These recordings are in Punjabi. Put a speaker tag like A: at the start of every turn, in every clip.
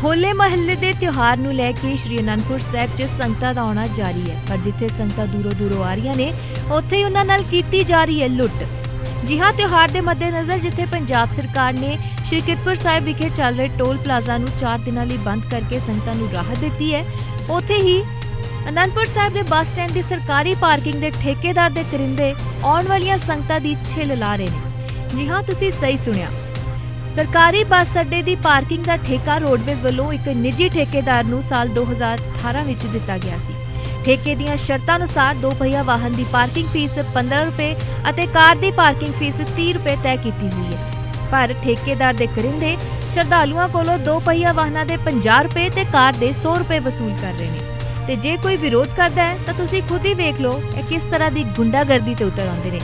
A: ਹੋਲੇ ਮਹੱਲੇ ਦੇ ਤਿਉਹਾਰ ਨੂੰ ਲੈ ਕੇ ਸ਼੍ਰੀ ਅਨੰਦਪੁਰ ਸਾਹਿਬ 'ਚ ਸੰਗਤਾਂ ਦਾ ਆਉਣਾ ਜਾਰੀ ਹੈ, ਪਰ ਜਿੱਥੇ ਸੰਗਤਾਂ ਦੂਰੋਂ ਆ ਰਹੀਆਂ ਨੇ ਉੱਥੇ ਹੀ ਉਹਨਾਂ ਨਾਲ ਕੀਤੀ ਜਾ ਰਹੀ ਹੈ ਲੁੱਟ। ਜੀ ਹਾਂ, ਤਿਉਹਾਰ ਦੇ ਮੱਦੇਨਜ਼ਰ ਜਿੱਥੇ ਪੰਜਾਬ ਸਰਕਾਰ ਨੇ ਸ਼੍ਰੀ ਕੀਰਤਪੁਰ ਸਾਹਿਬ ਵਿਖੇ ਚੱਲ ਰਹੇ ਟੋਲ ਪਲਾਜ਼ਾ ਨੂੰ 4 ਦਿਨਾਂ ਲਈ ਬੰਦ ਕਰਕੇ ਸੰਗਤਾਂ ਨੂੰ ਰਾਹਤ ਦਿੱਤੀ ਹੈ, ਉੱਥੇ ਹੀ ਅਨੰਦਪੁਰ ਸਾਹਿਬ ਦੇ ਬੱਸ ਸਟੈਂਡ ਦੀ ਸਰਕਾਰੀ ਪਾਰਕਿੰਗ ਦੇ ਠੇਕੇਦਾਰ ਦੇ ਕਰਿੰਦੇ ਆਉਣ ਵਾਲੀਆਂ ਸੰਗਤਾਂ ਦੀ ਛਿੱਲ ਲਾ ਰਹੇ ਨੇ। ਜੀ ਹਾਂ, ਤੁਸੀਂ ਸਹੀ ਸੁਣਿਆ, ਸਰਕਾਰੀ ਬੱਸ ਅੱਡੇ ਦੀ ਪਾਰਕਿੰਗ ਦਾ ਠੇਕਾ ਰੋਡਵੇਜ਼ ਵੱਲੋਂ ਇੱਕ ਨਿੱਜੀ ਠੇਕੇਦਾਰ ਨੂੰ ਸਾਲ 2018 ਵਿੱਚ ਦਿੱਤਾ ਗਿਆ ਸੀ। ਠੇਕੇ ਦੀਆਂ ਸ਼ਰਤਾਂ ਅਨੁਸਾਰ 2 ਪਹੀਆ ਵਾਹਨ ਦੀ ਪਾਰਕਿੰਗ ਫੀਸ 15 ਰੁਪਏ ਅਤੇ ਕਾਰ ਦੀ ਪਾਰਕਿੰਗ ਫੀਸ 30 ਰੁਪਏ ਤੈਅ ਕੀਤੀ ਹੋਈ ਹੈ, ਪਰ ਠੇਕੇਦਾਰ ਦੇ ਕਰਿੰਦੇ ਸ਼ਰਧਾਲੂਆਂ ਕੋਲੋਂ 2 ਪਹੀਆ ਵਾਹਨਾਂ ਦੇ 50 ਰੁਪਏ ਤੇ ਕਾਰ ਦੇ 100 ਰੁਪਏ ਵਸੂਲ ਕਰ ਰਹੇ ਨੇ। ਤੇ ਜੇ ਕੋਈ ਵਿਰੋਧ ਕਰਦਾ ਹੈ ਤਾਂ ਤੁਸੀਂ ਖੁਦ ਹੀ ਵੇਖ ਲਓ ਇਹ ਕਿਸ ਤਰ੍ਹਾਂ ਦੀ ਗੁੰਡਾਗਰਦੀ ਤੇ ਉਤਰ ਆਉਂਦੇ ਨੇ।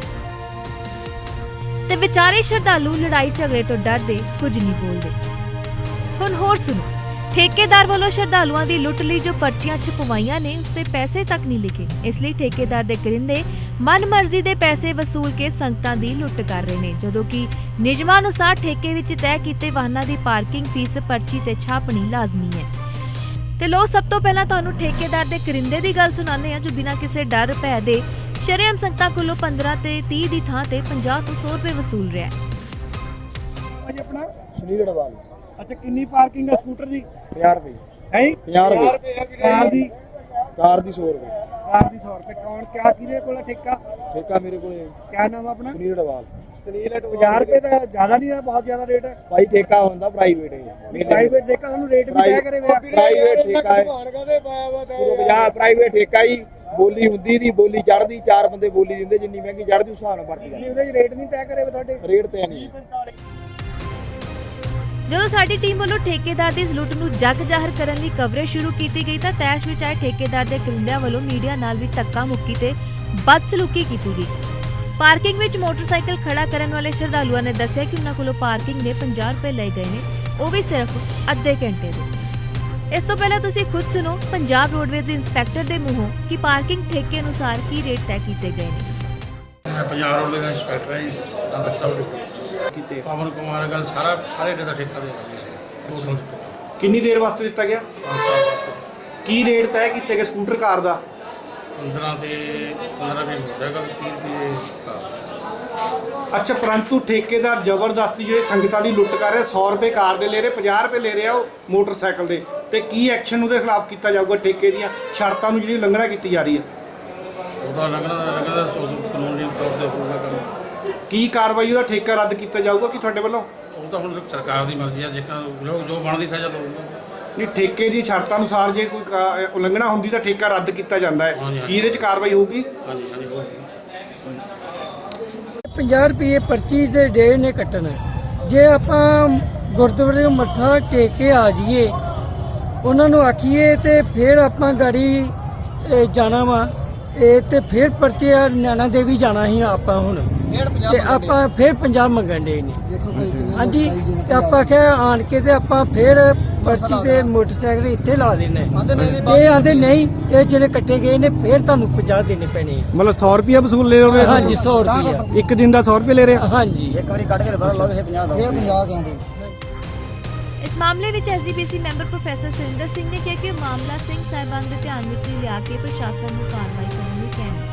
A: ਤੇ ਵਿਚਾਰੇ ਸ਼ਰਧਾਲੂ ਲੜਾਈ ਝਗੜੇ ਤੋਂ ਡਰਦੇ ਕੁਝ ਨਹੀਂ ਬੋਲਦੇ। ਹੁਣ ਹੋਰ ਸੁਣੋ, ਠੇਕੇਦਾਰ ਵੱਲੋਂ ਸ਼ਰਧਾਲੂਆਂ ਦੀ ਲੁੱਟ ਲਈ ਜੋ ਪਰਚੀਆਂ ਛਪਵਾਈਆਂ ਨੇ ਉਸ ਤੇ ਪੈਸੇ ਤੱਕ ਨਹੀਂ ਲਿਖੇ, ਇਸ ਲਈ ਠੇਕੇਦਾਰ ਦੇ ਕਰਿੰਦੇ ਮਨਮਰਜ਼ੀ ਦੇ ਪੈਸੇ ਵਸੂਲ ਕੇ ਸੰਗਤਾਂ ਦੀ ਲੁੱਟ ਕਰ ਰਹੇ ਨੇ, ਜਦੋਂ ਕਿ ਨਿਯਮਾਂ ਅਨੁਸਾਰ ਠੇਕੇ ਵਿੱਚ ਤੈਅ ਕੀਤੇ ਵਾਹਨਾਂ ਦੀ ਪਾਰਕਿੰਗ ਫੀਸ ਪਰਚੀ ਤੇ ਛਾਪਣੀ ਲਾਜ਼ਮੀ ਹੈ। ਤੇ ਲੋ ਸਭ ਤੋਂ ਪਹਿਲਾਂ ਤੁਹਾਨੂੰ ਠੇਕੇਦਾਰ ਦੇ ਕਰਿੰਦੇ ਦੀ ਗੱਲ ਸੁਣਾਉਂਦੇ ਹਾਂ, ਜੋ ਬਿਨਾਂ ਕਿਸੇ ਡਰ ਭੈ ਦੇ ਸ਼ਰੇਆਮ ਸੰਗਤਾਂ ਕੋਲੋਂ 15 ਤੇ 30 ਦੀ ਥਾਂ ਤੇ 50 ਤੋਂ 100 ਰੁਪਏ ਵਸੂਲ ਰਿਹਾ ਹੈ।
B: ਅੱਜ ਆਪਣਾ
C: ਸੁਨੀਲ ਗੜਵਾਲ।
B: ਅੱਛਾ, ਕਿੰਨੀ ਪਾਰਕਿੰਗ ਹੈ ਸਕੂਟਰ ਦੀ?
C: 50 ਰੁਪਏ।
B: ਹੈ
C: 50 ਰੁਪਏ।
B: ਕਾਰ ਦੀ?
C: ਕਾਰ ਦੀ 100 ਰੁਪਏ।
B: ਕਾਰ ਦੀ 100 ਰੁਪਏ। ਕੌਣ ਕਿਆ ਕਿਹਦੇ ਕੋਲ ਠੇਕਾ?
C: ਠੇਕਾ ਮੇਰੇ ਕੋਲੇ।
B: ਕਿਆ ਨਾਮ ਆਪਣਾ?
C: ਸੁਨੀਲ ਗੜਵਾਲ।
B: ਸੁਨੀਲ। 50 ਰੁਪਏ ਤਾਂ ਜ਼ਿਆਦਾ ਨਹੀਂ ਹੈ, ਬਹੁਤ ਜ਼ਿਆਦਾ ਰੇਟ ਹੈ
C: ਭਾਈ ਠੇਕਾ ਹੁੰਦਾ ਪ੍ਰਾਈਵੇਟ ਹੈ।
B: ਪ੍ਰਾਈਵੇਟ ਠੇਕਾ ਤੁਹਾਨੂੰ ਰੇਟ ਵੀ ਤੈਅ ਕਰੇ ਹੋਇਆ?
C: ਪ੍ਰਾਈਵੇਟ ਠੇਕਾ ਹੈ। ਪੂਰਾ ਪ੍ਰਾਈਵੇਟ ਠੇਕਾ ਹੀ ਬੋਲੀ ਹੁੰਦੀ ਦੀ ਬੋਲੀ ਚੜਦੀ, 4 ਬੰਦੇ ਬੋਲੀ ਦਿੰਦੇ, ਜਿੰਨੀ ਮਹਿੰਗੀ ਚੜਦੀ ਉਸ ਹਿਸਾਬ ਨਾਲ ਵਰਤੀ
B: ਨਹੀਂ, ਉਹਦੇ 'ਚ ਰੇਟ ਨਹੀਂ ਤੈਅ ਕਰੇ ਹੋਏ ਤੁਹਾਡੇ?
C: ਰੇਟ ਤੇ ਨਹੀਂ।
A: ਜਦੋਂ ਸਾਡੀ ਟੀਮ ਵੱਲੋਂ ਠੇਕੇਦਾਰ ਦੀ ਇਸ ਲੁੱਟ ਨੂੰ ਜੱਗ ਜ਼ਾਹਰ ਕਰਨ ਲਈ ਕਵਰੇਜ ਸ਼ੁਰੂ ਕੀਤੀ ਗਈ ਤਾਂ ਤੈਸ਼ ਵਿੱਚ ਆਏ ਠੇਕੇਦਾਰ ਦੇ ਕਰਿੰਦਿਆਂ ਵੱਲੋਂ ਮੀਡੀਆ ਨਾਲ ਵੀ ਧੱਕਾ ਮੁੱਕੀ ਤੇ ਬਦਸਲੂਕੀ ਕੀਤੀ ਗਈ। ਪਾਰਕਿੰਗ ਵਿੱਚ ਮੋਟਰਸਾਈਕਲ ਖੜਾ ਕਰਨ ਵਾਲੇ ਸ਼ਰਧਾਲੂਆਂ ਨੇ ਦੱਸਿਆ ਕਿ ਉਹਨਾਂ ਕੋਲੋਂ ਪਾਰਕਿੰਗ ਦੇ 50 ਰੁਪਏ ਲਏ ਗਏ ਨੇ, ਉਹ ਵੀ ਸਿਰਫ ਅੱਧੇ ਘੰਟੇ ਦੇ। ਇਸ ਤੋਂ ਪਹਿਲਾਂ ਤੁਸੀਂ ਖੁਦ ਸੁਣੋ ਪੰਜਾਬ ਰੋਡਵੇਜ਼ ਦੇ ਇੰਸਪੈਕਟਰ ਦੇ ਮੂੰਹੋਂ ਕਿ ਪਾਰਕਿੰਗ ਠੇਕੇ ਅਨੁਸਾਰ ਕੀ ਰੇਟ ਤੈਅ ਕੀਤੇ ਗਏ ਨੇ।
D: ਮੈਂ ਪੰਜਾਬ ਰੋਡਵੇਜ਼ ਦਾ ਇੰਸਪੈਕਟਰ ਹਾਂ ਜੀ, ਅੰਮ੍ਰਿਤਸਰ
B: ਕਿਤੇ
D: ਪਵਨ ਕੁਮਾਰ ਗੱਲ ਸਾਰੇ ਡੇ ਦਾ ਠੇਕਾ ਦੇ ਟੋਟਲ
B: ਕਿੰਨੀ ਦੇਰ ਵਾਸਤੇ ਦਿੱਤਾ ਗਿਆ?
D: 5 ਸਾਲ ਵਾਸਤੇ।
B: ਕੀ ਰੇਟ ਤੈਅ ਕੀਤੇ ਗਏ ਸਕੂਟਰ ਕਾਰ ਦਾ?
D: 15 ਤੇ 15 ਰੁਪਏ ਮੋਟਰਸਾਈਕਲ, 30 ਰੁਪਏ ਕਾਰ।
B: ਅੱਛਾ, ਪਰੰਤੂ ਠੇਕੇਦਾਰ ਜ਼ਬਰਦਸਤੀ ਜਿਹੜੇ ਸੰਗਤਾਂ ਦੀ ਲੁੱਟ ਕਰ ਰਿਹਾ, 100 ਰੁਪਏ ਕਾਰ ਦੇ ਲੈ ਰਹੇ, 50 ਰੁਪਏ ਲੈ ਰਿਹਾ ਉਹ ਮੋਟਰਸਾਈਕਲ ਦੇ, ਤੇ ਕੀ ਐਕਸ਼ਨ ਉਹਦੇ ਖਿਲਾਫ ਕੀਤਾ ਜਾਊਗਾ? ਠੇਕੇ ਦੀਆਂ ਸ਼ਰਤਾਂ ਨੂੰ ਜਿਹੜੀ ਉਲੰਘਣਾ ਕੀਤੀ ਜਾ ਰਹੀ ਹੈ,
D: ਉਹਦਾ ਲੰਘਣਾ ਕਾਨੂੰਨੀ ਤੌਰ ਤੇ ਹੋਊਗਾ ਕੰਮ।
B: ਕੀ ਕਾਰਵਾਈ ਉਹਦਾ ਠੇਕਾ ਰੱਦ ਕੀਤਾ ਜਾਊਗਾ ਕਿ ਤੁਹਾਡੇ ਵੱਲੋਂ?
D: ਉਹ ਤਾਂ ਹੁਣ ਸਰਕਾਰ ਦੀ ਮਰਜ਼ੀ ਹੈ, ਜੇਕਰ ਲੋਕ ਜੋ ਬਣਦੀ ਸਜ਼ਾ ਦਊਗਾ।
B: ਨਹੀਂ, ਠੇਕੇ ਦੀ ਸ਼ਰਤਾਂ ਅਨੁਸਾਰ ਜੇ ਕੋਈ ਉਲੰਘਣਾ ਹੁੰਦੀ ਤਾਂ ਠੇਕਾ ਰੱਦ ਕੀਤਾ ਜਾਂਦਾ ਹੈ, ਕੀ ਇਹਦੇ 'ਚ ਕਾਰਵਾਈ ਹੋਊਗੀ?
D: ਹਾਂਜੀ ਹਾਂਜੀ ਹੋਊਗੀ।
E: 50 ਰੁਪਏ ਪਰਚੀ ਦੇ ਡੇ ਨੇ ਕੱਟਣਾ। ਜੇ ਆਪਾਂ ਗੁਰਦੁਆਰੇ ਮੱਥਾ ਟੇਕ ਕੇ ਆ ਜਾਈਏ, ਉਹਨਾਂ ਨੂੰ ਆਖੀਏ ਤੇ ਫਿਰ ਆਪਾਂ ਗਾੜੀ ਜਾਣਾ ਵਾ ਤੇ ਫਿਰ ਪਰਚੇ ਆ ਨੈਣਾ ਦੇਵੀ ਜਾਣਾ ਸੀ ਆਪਾਂ ਹੁਣ, ਤੇ ਆਪਾਂ ਫਿਰ 50 ਮੰਗਣ ਦੇ ਨੇ। ਹਾਂਜੀ, ਤੇ ਆਪਾਂ ਕਿਹਾ ਆਣ ਕੇ ਤੇ ਆਪਾਂ ਫਿਰ ਪਰਚੀ ਤੇ ਮੋਟਰਸਾਈਕਲ ਇੱਥੇ ਲਾ ਦੇਣੇ, ਇਹ ਆਂਦੇ ਨਹੀਂ, ਇਹ ਜਿਹੜੇ ਕੱਟੇ ਗਏ ਨੇ ਫਿਰ ਤੁਹਾਨੂੰ 50 ਦੇਣੇ ਪੈਣੇ।
B: ਮਤਲਬ 100 ਰੁਪਏ ਵਸੂਲ ਲੈ ਰਹੇ?
E: ਹਾਂਜੀ, 100 ਰੁਪਏ
B: ਇੱਕ ਦਿਨ ਦਾ 100 ਰੁਪਏ ਲੈ ਰਹੇ?
E: ਹਾਂਜੀ।
C: ਇੱਕ ਵਾਰੀ ਕੱਢ ਕੇ ਦੁਬਾਰਾ ਲਾਓ, ਇਹ 50 ਦਾ। 50 ਕਿਉਂ?
A: ਇਸ ਮਾਮਲੇ ਵਿੱਚ SGPC member professor Surinder Singh ਨੇ ਕਿਹਾ ਕਿ ਇਹ ਮਾਮਲਾ ਸਿੰਘ ਸਾਹਿਬਾਨ ਦੇ ਧਿਆਨ ਵਿੱਚ ਲਿਆ ਕੇ ਪ੍ਰਸ਼ਾਸਨ ਨੂੰ ਕਾਰਵਾਈ ਕਰਨ ਲਈ ਕਹਿਣਾ।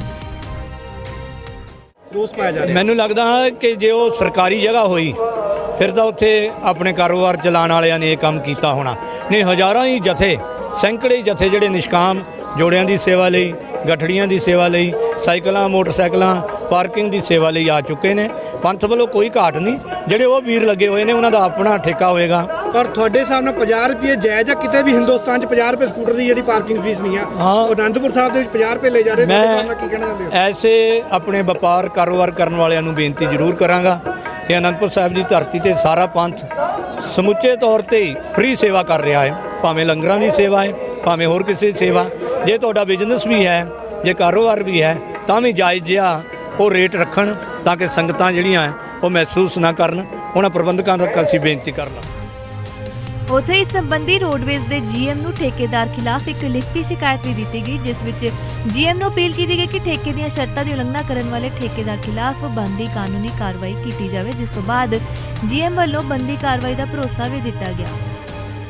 B: ਰੋਸ ਪਾਇਆ ਜਾ ਰਿਹਾ।
F: ਮੈਨੂੰ ਲੱਗਦਾ ਕਿ ਜੇ ਉਹ ਸਰਕਾਰੀ ਜਗ੍ਹਾ ਹੋਈ ਫਿਰ ਤਾਂ ਉੱਥੇ ਆਪਣੇ ਕਾਰੋਬਾਰ ਚਲਾਉਣ ਵਾਲਿਆਂ ਨੇ ਇਹ ਕੰਮ ਕੀਤਾ ਹੋਣਾ, ਨਹੀਂ ਹਜ਼ਾਰਾਂ ਹੀ ਜਥੇ, ਸੈਂਕੜੇ ਜਥੇ ਜਿਹੜੇ ਨਿਸ਼ਕਾਮ ਜੋੜਿਆਂ ਦੀ ਸੇਵਾ ਲਈ, ਗਠੜੀਆਂ ਦੀ ਸੇਵਾ ਲਈ, ਸਾਈਕਲਾਂ ਮੋਟਰਸਾਈਕਲਾਂ ਪਾਰਕਿੰਗ ਦੀ ਸੇਵਾ ਲਈ ਆ ਚੁੱਕੇ ਨੇ। ਪੰਥ ਵੱਲੋਂ ਕੋਈ ਘਾਟ ਨਹੀਂ, ਜਿਹੜੇ ਉਹ ਵੀਰ ਲੱਗੇ ਹੋਏ ਨੇ ਉਹਨਾਂ ਦਾ ਆਪਣਾ ਠੇਕਾ ਹੋਏਗਾ।
B: ਪਰ ਤੁਹਾਡੇ ਸਾਹਮਣੇ 50 ਰੁਪਏ ਜਾਇਜ਼ ਆ? ਕਿਤੇ ਵੀ ਹਿੰਦੁਸਤਾਨ 'ਚ 50 ਰੁਪਏ ਸਕੂਟਰ ਦੀ ਜਿਹੜੀ ਪਾਰਕਿੰਗ ਫੀਸ ਨਹੀਂ ਆ, ਉਹ ਅਨੰਦਪੁਰ ਸਾਹਿਬ ਦੇ ਵਿੱਚ 50 ਰੁਪਏ ਲੈ ਜਾ ਰਹੇ ਨੇ।
F: ਮੈਂ
B: ਕੀ ਕਹਿਣਾ ਚਾਹੁੰਦੇ ਹੋ?
F: ਐਸੇ ਆਪਣੇ ਵਪਾਰ ਕਾਰੋਬਾਰ ਕਰਨ ਵਾਲਿਆਂ ਨੂੰ ਬੇਨਤੀ ਜ਼ਰੂਰ ਕਰਾਂਗਾ ਕਿ ਅਨੰਦਪੁਰ ਸਾਹਿਬ ਦੀ ਧਰਤੀ ਤੇ ਸਾਰਾ ਪੰਥ ਸਮੁੱਚੇ ਤੌਰ ਤੇ ਫ੍ਰੀ ਸੇਵਾ ਕਰ ਰਿਹਾ ਹੈ, ਭਾਵੇਂ ਲੰਗਰਾਂ ਦੀ ਸੇਵਾ ਹੈ, ਭਾਵੇਂ ਹੋਰ ਕਿਸੇ ਦੀ ਸੇਵਾ। ਜੇ ਤੁਹਾਡਾ ਬਿਜ਼ਨਸ ਵੀ ਹੈ, ਜੇ ਕਾਰੋਬਾਰ ਵੀ ਹੈ, ਤਾਂ ਵੀ ਜਾਇਜ਼ ਜਿਹਾ ਉਹ ਰੇਟ ਰੱਖਣ ਤਾਂ ਕਿ ਸੰਗਤਾਂ ਜਿਹੜੀਆਂ ਉਹ ਮਹਿਸੂਸ ਨਾ ਕਰਨ। ਉਹਨਾਂ ਪ੍ਰਬੰਧਕਾਂ ਤੱਕ ਅਸੀਂ ਬੇਨਤੀ ਕਰਨਾ।
A: ਉੱਥੇ ਇਸ ਸੰਬੰਧੀ ਰੋਡਵੇਜ਼ ਦੇ ਜੀਐਮ ਨੂੰ ਠੇਕੇਦਾਰ ਖਿਲਾਫ ਇੱਕ ਲਿਖਤੀ ਸ਼ਿਕਾਇਤ ਵੀ ਦਿੱਤੀ ਗਈ, ਜਿਸ ਵਿੱਚ ਜੀਐਮ ਨੂੰ ਅਪੀਲ ਕੀਤੀ ਗਈ ਕਿ ਠੇਕੇ ਦੀਆਂ ਸ਼ਰਤਾਂ ਦੀ ਉਲੰਘਣਾ ਕਰਨ ਵਾਲੇ ਠੇਕੇਦਾਰ ਖਿਲਾਫ ਬਣਦੀ ਕਾਨੂੰਨੀ ਕਾਰਵਾਈ ਕੀਤੀ ਜਾਵੇ, ਜਿਸ ਤੋਂ ਬਾਅਦ ਜੀਐਮ ਵੱਲੋਂ ਬਣਦੀ ਕਾਰਵਾਈ ਦਾ ਭਰੋਸਾ ਵੀ ਦਿੱਤਾ ਗਿਆ।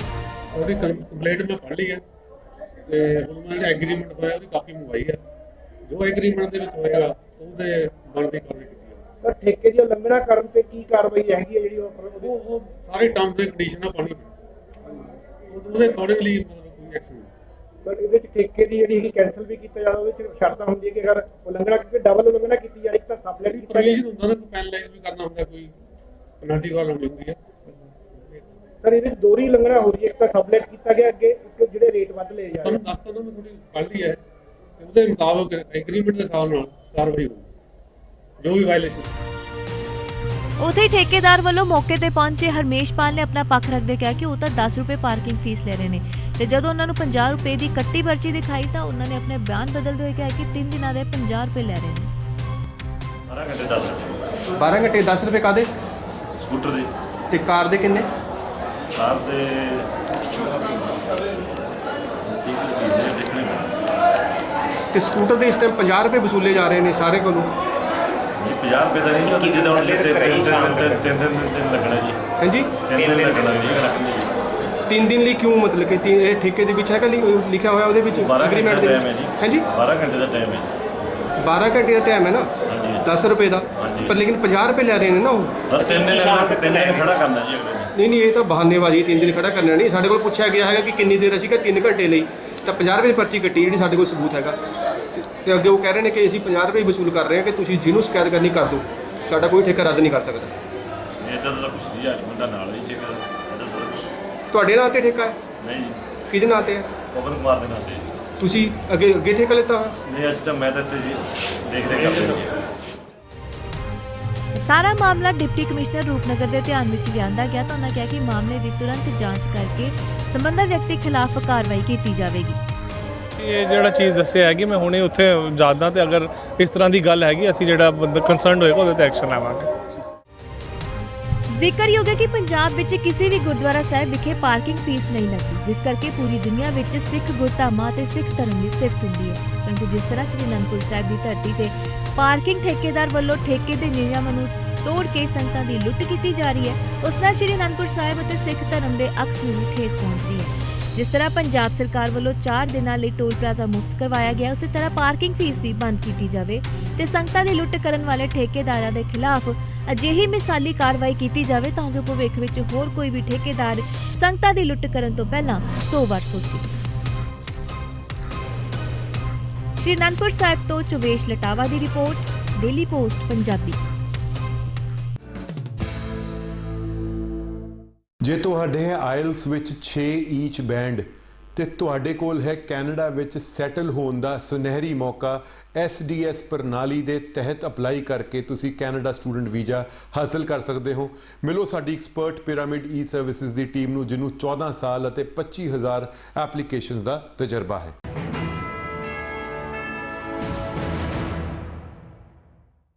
D: ਉਹਦੀ ਕੰਪਲੇਂਟ ਮੈਂ ਪੜ੍ਹ ਲਈ ਹੈ ਤੇ ਉਹਨਾਂ ਨੇ ਐਗਰੀਮੈਂਟ ਹੋਇਆ ਉਹਦੀ ਕਾਪੀ ਮੰਗਵਾਈ ਹੈ। ਜੋ ਐਗਰੀਮੈਂਟ ਦੇ ਵਿੱਚ ਹੋਏਗਾ ਉਹਦੇ ਬਣਦੀ ਕਾਰਵਾਈ ਕੀਤੀ ਜਾਵੇਗੀ।
B: ਸਰ ਠੇਕੇ ਦੀ ਉਲੰਘਣਾ ਕਰਨ ਤੇ ਕੀ ਕਾਰਵਾਈ ਹੈਗੀ ਹੈ ਜਿਹੜੀ
D: ਉਹ ਸਾਰੇ ਟਰਮਸ ਐਂਡ ਕੰਡੀਸ਼ਨਾਂ ਪਾਣੀ ਉਹਦੇ ਅਕੋਰਡਿੰਗਲੀ ਮਤਲਬ ਕੋਈ ਐਕਸ਼ਨ ਨਹੀਂ।
B: ਬਟ ਇਹਦੇ ਵਿੱਚ ਠੇਕੇ ਦੀ ਜਿਹੜੀ ਹੈਗੀ ਕੈਂਸਲ ਵੀ ਕੀਤਾ ਜਾਂਦਾ, ਉਹਦੇ ਵਿੱਚ ਸ਼ਰਤਾਂ ਹੁੰਦੀਆਂ ਕਿ ਅਗਰ ਉਲੰਘਣਾ ਕਿਉਂਕਿ ਡਬਲ ਉਲੰਘਣਾ ਕੀਤੀ ਜਾ ਰਹੀ ਤਾਂ ਸਬਲੈਟ ਕੀਤਾ
D: ਪ੍ਰੋਵੀਜ਼ਨ ਹੁੰਦਾ ਨਾ, ਕੋਈ ਪੈਨਲਾਈਜ਼ ਵੀ ਕਰਨਾ ਹੁੰਦਾ, ਕੋਈ ਪੈਨਲਟੀ ਵਾਲਾ ਹੁੰਦੀ ਹੈ।
B: ਸਰ ਇਹਦੇ ਵਿੱਚ ਦੋਹਰੀ ਉਲੰਘਣਾ ਹੋ ਰਹੀ ਹੈ, ਇੱਕ ਤਾਂ ਸਬਲੈਟ ਕੀਤਾ ਗਿਆ ਅੱਗੇ, ਇੱਕ ਜਿਹੜੇ ਰੇਟ ਵੱਧ ਲਏ ਜਾ ਰਹੇ।
D: ਤੁਹਾਨੂੰ ਦੱਸਤਾ ਨਾ ਮੈਂ ਥੋੜੀ ਪੜ੍ਹ ਲਈ ਹੈ ਤੇ ਉਹਦੇ ਮੁਤਾਬਕ ਐਗਰੀਮੈਂਟ ਦੇ ਹਿਸਾਬ ਨਾਲ ਕਾਰਵਾਈ ਹੋਊਗੀ ਜੋ ਵੀ ਵਾਇਲੇਸ਼ਨ।
A: ਉਥੇ ਹੀ ਠੇਕੇਦਾਰ ਵੱਲੋਂ ਮੌਕੇ ਤੇ ਪਹੁੰਚੇ ਹਰਮੇਸ਼ਪਾਲ ਨੇ ਆਪਣਾ ਪੱਖ ਰੱਖਦੇ ਕਿਹਾ ਕਿ ਉਹ ਤਾਂ 10 ਰੁਪਏ ਪਾਰਕਿੰਗ ਫੀਸ ਲੈ ਰਹੇ ਨੇ ਤੇ ਜਦੋਂ ਉਹਨਾਂ ਨੂੰ 50 ਰੁਪਏ ਦੀ ਕੱਟੀ ਪਰਚੀ ਦਿਖਾਈ ਤਾਂ ਉਹਨਾਂ ਨੇ ਆਪਣੇ ਬਿਆਨ ਬਦਲਦੇ ਹੋਏ ਕਿਹਾ ਕਿ 3 ਦਿਨਾਂ ਦੇ 50 ਰੁਪਏ ਲੈ ਰਹੇ ਨੇ।
G: 12 ਘੰਟੇ 10 ਰੁਪਏ ਕਾਹਦੇ?
H: ਸਕੂਟਰ ਦੇ
G: ਤੇ ਕਾਰ ਦੇ ਕਿੰਨੇ?
H: ਕਾਰ ਦੇ ਦੇਖਣੇ
G: ਤੇ ਸਕੂਟਰ ਦੇ ਇਸ ਟਾਈਮ 50 ਰੁਪਏ ਵਸੂਲੇ ਜਾ ਰਹੇ ਨੇ ਸਾਰੇ ਕੋਲੋਂ।
H: ਜੀ 50 ਰੁਪਏ ਦਾ ਨਹੀਂ, ਉਹ ਤਾਂ ਜਿੱਦਾਂ ਹੁਣ ਤਿੰਨ ਦਿਨ ਲੱਗਣਾ ਜੀ।
G: ਹਾਂਜੀ
H: 3 ਦਿਨ ਲੱਗਣਾ ਜੀ ਰੱਖਣੇ ਜੀ।
G: 3 ਦਿਨ ਲਈ ਕਿਉਂ? ਮਤਲਬ ਕਿ ਇਹ ਠੇਕੇ ਦੇ ਵਿੱਚ ਹੈਗਾ ਲਿਖਿਆ ਹੋਇਆ ਉਹਦੇ ਵਿੱਚ
H: 12
G: ਐਗਰੀਮੈਂਟ
H: ਘੰਟੇ
G: ਦੇ
H: ਦਾ ਟਾਈਮ ਹੈ
G: ਵਿੱਚ?
H: ਜੀ।
G: ਹਾਂਜੀ
H: 12 ਘੰਟੇ ਦਾ ਟਾਈਮ ਹੈ ਜੀ।
G: 12 ਘੰਟੇ ਦਾ ਟਾਈਮ ਹੈ ਨਾ,
H: ਹਾਂਜੀ
G: 10 ਰੁਪਏ ਦਾ,
H: ਹਾਂਜੀ।
G: ਪਰ ਲੇਕਿਨ 50 ਰੁਪਏ ਲੈ ਰਹੇ ਨੇ ਨਾ ਉਹ।
H: ਪਰ 3 ਦਿਨ ਖੜਾ ਕਰਨਾ ਜੀ ਅਗਲੇ ਨੇ।
G: ਨਹੀਂ ਇਹ ਤਾਂ ਬਹਾਨੇਬਾਜ਼ੀ, 3 ਦਿਨ ਖੜਾ ਕਰਨਾ ਨਹੀਂ। ਸਾਡੇ ਕੋਲ ਪੁੱਛਿਆ ਗਿਆ ਹੈਗਾ ਕਿ ਕਿੰਨੀ ਦੇਰ, ਅਸੀਂ ਕਿਹਾ 3 ਘੰਟੇ ਲਈ, ਤਾਂ 50 ਰੁਪਏ ਦੀ ਪਰਚੀ ਕੱਟੀ ਜਿਹੜੀ ਸਾਡੇ ਕੋਲ ਸਬੂਤ ਹੈਗਾ। ਤੇ ਅੱਗੇ ਉਹ ਕਹਿ ਰਹੇ ਨੇ ਕਿ ਅਸੀਂ 50 ਰੁਪਏ ਵਸੂਲ ਕਰ ਰਹੇ ਹਾਂ ਕਿ ਤੁਸੀਂ ਜਿਹਨੂੰ ਸ਼ਿਕਾਇਤ ਕਰਨੀ ਕਰ ਦਿਓ, ਸਾਡਾ ਕੋਈ ਠੇਕਾ ਰੱਦ ਨਹੀਂ ਕਰ ਸਕਦਾ।
H: ਇੱਦਾਂ ਦਾ ਕੁਛ ਨਹੀਂ, ਅੱਜ ਮੁੰਡਾ ਨਾਲ ਹੀ ਠੇਕਾ ਇੱਦਾਂ ਦਾ ਕੁਛ
G: ਤੁਹਾਡੇ ਨਾਂ ਤੇ ਠੇਕਾ ਹੈ?
H: ਨਹੀਂ ਜੀ,
G: ਕਿਹਦੇ ਨਾਂ ਤੇ ਹੈ?
H: ਪਵਨ ਕੁਮਾਰ ਦੇ ਨਾਂ ਤੇ।
G: ਤੁਸੀਂ ਅੱਗੇ ਠੇਕਾ ਲਿੱਤਾ ਹੋਇਆ?
H: ਨਹੀਂ ਅਸੀਂ ਤਾਂ ਮੈਂ ਤਾਂ ਇੱਥੇ ਜੀ ਦੇਖ ਰਹੇ ਕਰਦੇ ਜੀ।
A: ਸਾਰਾ ਮਾਮਲਾ ਡਿਪਟੀ ਕਮਿਸ਼ਨਰ ਰੂਪਨਗਰ ਦੇ ਧਿਆਨ ਵਿੱਚ ਲਿਆਂਦਾ ਗਿਆ ਤਾਂ ਉਹਨਾਂ ਕਿਹਾ ਕਿ ਮਾਮਲੇ ਦੀ ਤੁਰੰਤ ਜਾਂਚ ਕਰਕੇ ਸੰਬੰਧਿਤ ਵਿਅਕਤੀ ਖਿਲਾਫ ਕਾਰਵਾਈ ਕੀਤੀ ਜਾਵੇਗੀ।
I: ਇਹ ਜਿਹੜਾ ਚੀਜ਼ ਦੱਸਿਆ ਹੈ ਕਿ ਮੈਂ ਹੁਣੇ ਉੱਥੇ ਜਾਂਦਾ ਤੇ ਅਗਰ ਇਸ ਤਰ੍ਹਾਂ ਦੀ ਗੱਲ ਹੈਗੀ ਅਸੀਂ ਜਿਹੜਾ ਬੰਦਾ ਕੰਸਰਨਡ ਹੋਏਗਾ ਉਹਦੇ ਤੇ ਐਕਸ਼ਨ ਲਵਾਂਗੇ।
A: ਜ਼ਿਕਰਯੋਗ ਹੈ ਕਿ ਪੰਜਾਬ ਵਿੱਚ ਕਿਸੇ ਵੀ ਗੁਰਦੁਆਰਾ ਸਾਹਿਬ ਵਿਖੇ ਪਾਰਕਿੰਗ ਫੀਸ ਨਹੀਂ ਲੱਗਦੀ, ਜਿਸ ਕਰਕੇ ਪੂਰੀ ਦੁਨੀਆ ਵਿੱਚ ਸਿੱਖ ਗੁਰਧਾਮਾਂ ਤੇ ਸਿੱਖ ਧਰਮ ਦੀ ਸਿਫਤ ਹੁੰਦੀ ਹੈ। ਪਰੰਤੂ ਜਿਸ ਤਰ੍ਹਾਂ ਸ੍ਰੀ ਅਨੰਦਪੁਰ ਸਾਹਿਬ ਦੀ ਧਰਤੀ ਤੇ ਪਾਰਕਿੰਗ ਠੇਕੇਦਾਰ ਵੱਲੋਂ ਠੇਕੇ ਦੇ ਨਿਯਮਾਂ ਨੂੰ ਤੋੜ ਕੇ ਸੰਗਤਾਂ ਦੀ ਲੁੱਟ ਕੀਤੀ ਜਾ ਰਹੀ ਹੈ, ਉਸ ਨਾਲ ਸ੍ਰੀ ਅਨੰਦਪੁਰ ਸਾਹਿਬ ਅਤੇ ਸਿੱਖ ਧਰਮ ਦੇ ਅਕਸ ਨੂੰ ਠੇਸ ਪਹੁੰਚਦੀ ਹੈ। ਜਿਸ ਤਰ੍ਹਾਂ ਪੰਜਾਬ ਸਰਕਾਰ ਵੱਲੋਂ 4 ਦਿਨਾਂ ਲਈ ਟੋਲ ਪਲਾਜ਼ਾ ਮੁਕਤ ਕਰਵਾਇਆ ਗਿਆ, ਉਸੇ ਤਰ੍ਹਾਂ ਪਾਰਕਿੰਗ ਫੀਸ ਵੀ ਬੰਦ ਕੀਤੀ ਜਾਵੇ ਤੇ ਸੰਗਤਾਂ ਦੀ ਲੁੱਟ ਕਰਨ ਵਾਲੇ ਠੇਕੇਦਾਰਾਂ ਦੇ ਖਿਲਾਫ ਅਜਿਹੀ ਮਿਸਾਲੀ ਕਾਰਵਾਈ ਕੀਤੀ ਜਾਵੇ ਤਾਂ ਜੋ ਭਵਿੱਖ ਵਿੱਚ ਹੋਰ ਕੋਈ ਵੀ ਠੇਕੇਦਾਰ ਸੰਗਤਾਂ ਦੀ ਲੁੱਟ ਕਰਨ ਤੋਂ ਪਹਿਲਾਂ 100 ਵਾਰ ਸੋਚੇ। ਸ਼੍ਰੀ ਅਨੰਦਪੁਰ ਸਾਹਿਬ ਤੋਂ ਚੁਵੇਸ਼ ਲਟਾਵਾ ਦੀ ਰਿਪੋਰਟ, ਡੇਲੀ ਪੋਸਟ ਪੰਜਾਬੀ।
J: ਜੇ ਤੁਹਾਡੇ ਹੈ ਆਇਲਸ ਵਿੱਚ 6 ਈਚ ਬੈਂਡ ਤੇ ਤੁਹਾਡੇ ਕੋਲ ਹੈ ਕੈਨੇਡਾ ਵਿੱਚ ਸੈਟਲ ਹੋਣ ਦਾ ਸੁਨਹਿਰੀ ਮੌਕਾ, SDS ਪ੍ਰਣਾਲੀ ਦੇ ਤਹਿਤ ਅਪਲਾਈ ਕਰਕੇ ਤੁਸੀਂ ਕੈਨੇਡਾ ਸਟੂਡੈਂਟ ਵੀਜ਼ਾ ਹਾਸਲ ਕਰ ਸਕਦੇ ਹੋ। ਮਿਲੋ ਸਾਡੀ ਐਕਸਪਰਟ ਪਿਰਾਮਿਡ ਈ ਸਰਵਿਸਿਜ਼ ਦੀ ਟੀਮ ਨੂੰ, ਜਿਹਨੂੰ 14 ਸਾਲ ਅਤੇ 25,000 ਐਪਲੀਕੇਸ਼ਨਸ ਦਾ ਤਜਰਬਾ ਹੈ।